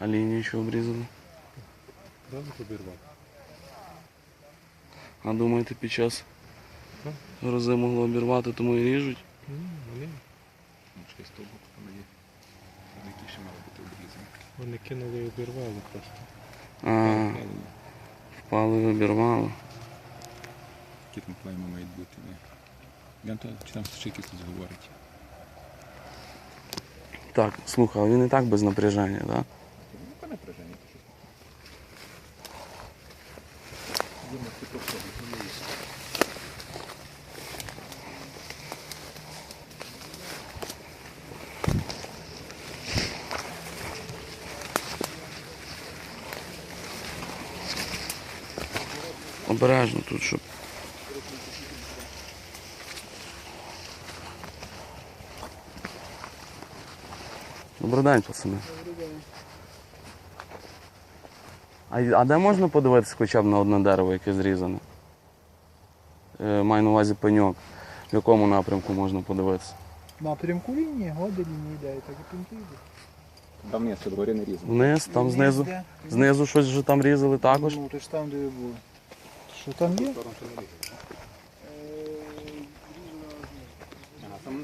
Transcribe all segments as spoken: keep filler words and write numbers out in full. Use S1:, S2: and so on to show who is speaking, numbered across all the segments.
S1: А лінію що обрізали?
S2: Зразу обірвав.
S1: А думаєте, під час грози могло обірвати, тому і ріжуть?
S2: Ні, вони,
S3: Ще з того боку там є. Які ще мали бути обрізані.
S2: вони кинули і обірвали просто.
S1: А, впали і обірвали.
S3: Які там клейми мають бути. Не. Я то, чи там ще якісь говорить.
S1: Так, слухай, а він і так без напряження, так? Да?
S3: Ну, яке напряження, то щось. Думаю, ти просто не є.
S1: Обережно тут, щоб... Добрий день, пацани. А, а де можна подивитися хоча б на одне дерево, яке зрізане? Е, маю на увазі пеньок. В якому напрямку можна подивитися?
S4: Напрямку лінії, годи лінії йде, і так і пінки йде.
S3: Там ні, це дворі не різні.
S1: Вниз, там знизу.
S4: Де?
S1: Знизу щось вже там різали також.
S4: Ну, то ж там, де ви були. Що там є?
S3: Ага, там...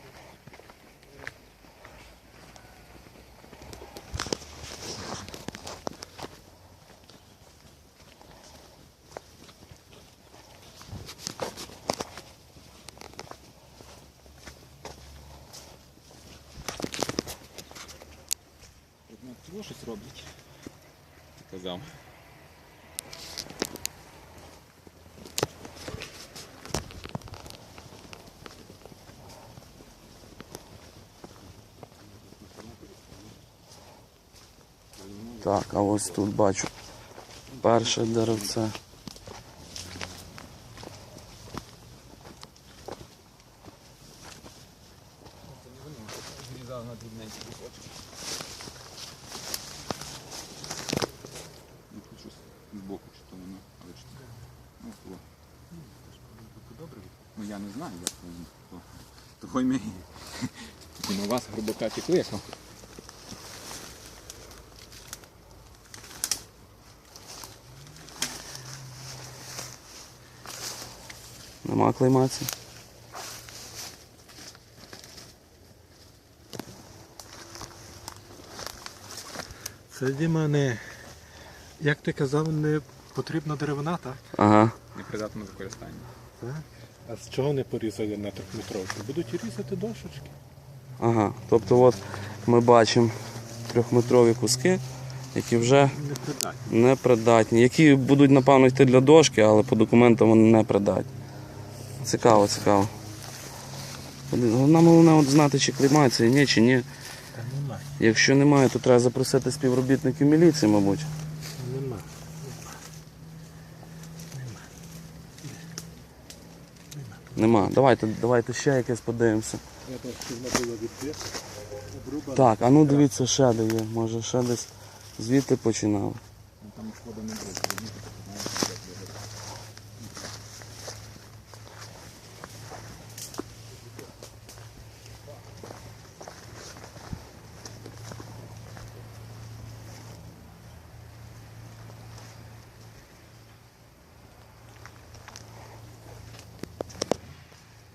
S3: Чого щось роблять? Ти казав.
S1: Так, а ось тут бачу перше деревце.
S3: Зрізав на дрібненькі кусочки. Ну, тут щось збоку, чи то воно, але чи це. Ну, то. Добре. Ну, я не знаю, як то. Того й ми. На вас грубока кликав.
S1: Нема клеймації.
S2: Це, Діма, не, як ти казав, не потрібна деревина, так?
S1: Ага.
S3: Непридатне до використання.
S2: Так. А з чого не порізали на трьохметровку? Будуть різати дошечки.
S1: Ага. Тобто от ми бачимо трьохметрові куски, які вже
S2: Непридатні.
S1: непридатні. Які будуть, напевно, йти для дошки, але по документам вони не придатні. Цікаво, цікаво. Нам головне от знати, чи клеймація, ні, чи ні.
S2: Та нема.
S1: Якщо немає, то треба запросити співробітників міліції, мабуть.
S2: Нема.
S1: Нема. Давайте, давайте ще якесь подивимося.
S2: Я так, що вона була відбита, обрубана.
S1: Так, а ну дивіться, ще де є. Може ще десь звідти починали.
S3: Там шкода не буде.